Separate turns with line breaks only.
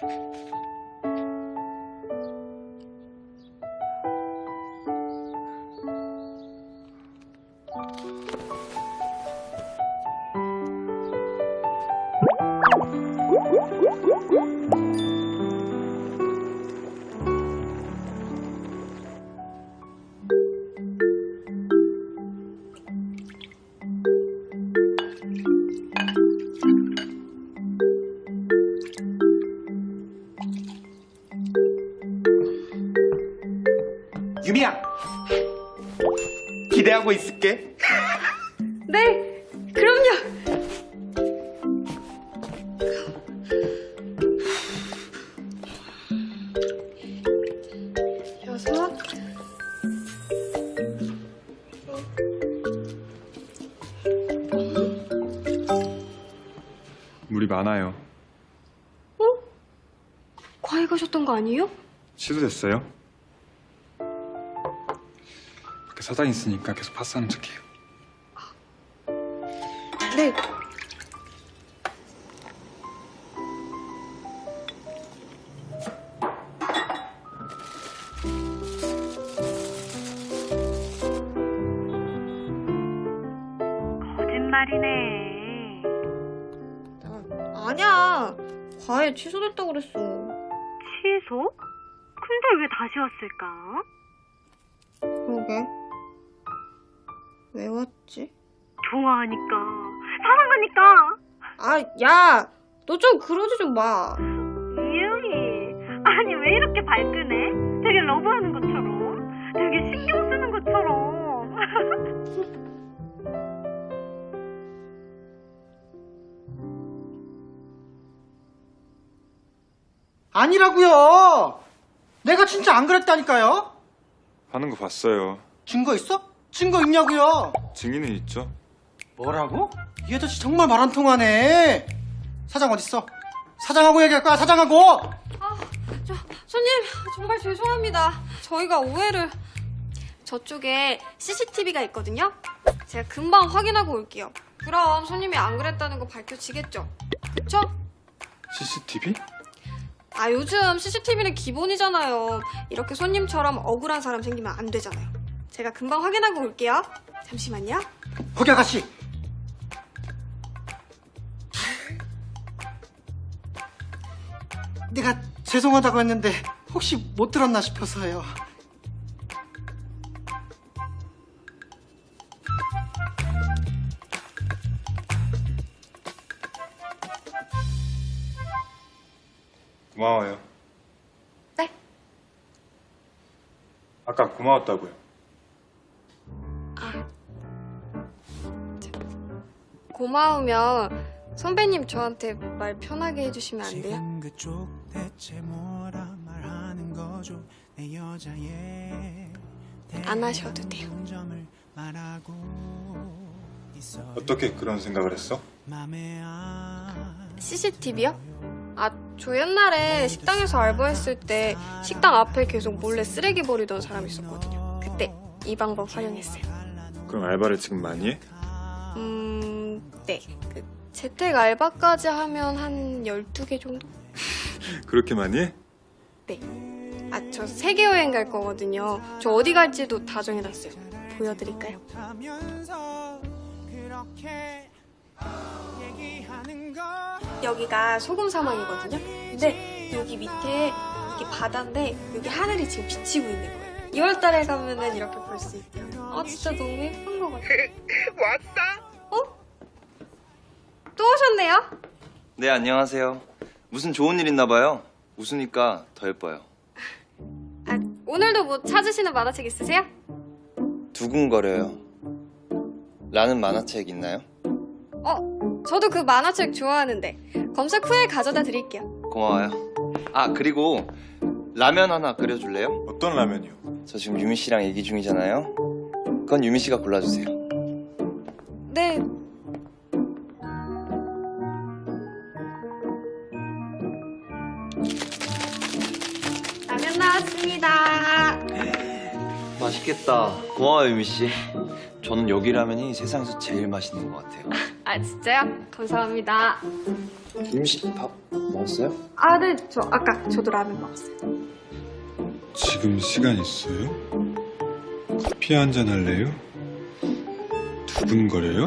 유미야, 기대하고 있을게.
네, 그럼요. 여섯.
물이 많아요.
어? 과외 가셨던 거 아니에요?
취소됐어요? 밖에 사장 있으니까 계속 파스하는 척해요.
네.
거짓말이네.
아니야. 과외 취소됐다고 그랬어.
취소? 근데 왜 다시 왔을까?
그러게. 왜 왔지?
좋아하니까. 사랑하니까.
아, 야! 너 좀 그러지 좀 마.
이유미. 아니, 왜 이렇게 발끈해? 되게 러브하는 것처럼. 되게 신경 쓰는 것처럼.
아니라고요. 내가 진짜 안 그랬다니까요.
하는 거 봤어요.
증거 있어? 증거 있냐고요.
증인은 있죠?
뭐라고? 이 아저씨 정말 말 안 통하네. 사장 어딨어? 사장하고 얘기할 거야, 사장하고.
손님, 정말 죄송합니다. 저희가 오해를... 저쪽에 CCTV가 있거든요? 제가 금방 확인하고 올게요. 그럼 손님이 안 그랬다는 거 밝혀지겠죠? 그쵸?
CCTV?
아, 요즘 CCTV는 기본이잖아요. 이렇게 손님처럼 억울한 사람 생기면 안 되잖아요. 제가 금방 확인하고 올게요. 잠시만요.
거기 아가씨. 내가 죄송하다고 했는데 혹시 못 들었나 싶어서요.
고마워요.
네?
아까 고마웠다고요.
고마우면 선배님 저한테 말 편하게 해주시면 안 돼요?
지금 그쪽 대체 뭐라 말하는 거죠? 내 여자의
안 하셔도 돼요.
점을 말하고 있어요.
어떻게 그런 생각을 했어?
맘에 안
CCTV요? 아, 저 옛날에 식당에서 알바했을 때 식당 앞에 계속 몰래 쓰레기 버리던 사람이 있었거든요. 그때 이 방법 활용했어요.
그럼 알바를 지금 많이 해?
네. 그 재택 알바까지 하면 한 12개 정도?
그렇게 많이 해?
네. 아, 저 세계 여행 갈 거거든요. 저 어디 갈지도 다 정해놨어요. 보여드릴까요?
하면서 그렇게 얘기하는 거
여기가 소금 사막이거든요. 근데 여기 밑에 이게 바다인데 여기 하늘이 지금 비치고 있는 거예요. 2월달에 가면은 이렇게 볼 수 있대요. 아, 진짜 너무 예쁜 것 같아요. 왔어? 어? 또 오셨네요?
네, 안녕하세요. 무슨 좋은 일 있나 봐요. 웃으니까 더 예뻐요.
아, 오늘도 뭐 찾으시는 만화책 있으세요?
두근거려요. 라는 만화책 있나요?
저도 그 만화책 좋아하는데 검색 후에 가져다 드릴게요.
고마워요. 아, 그리고 라면 하나 끓여줄래요?
어떤 라면이요?
저 지금 유미 씨랑 얘기 중이잖아요. 그건 유미 씨가 골라주세요.
네. 라면 나왔습니다.
맛있겠다. 고마워요, 유미 씨. 저는 여기 라면이 세상에서 제일 맛있는 것 같아요.
아, 진짜요? 감사합니다.
김씨 밥 먹었어요?
아, 네. 저 아까 저도 라면 먹었어요.
지금 시간 있어요? 커피 한잔 할래요? 두근거려요?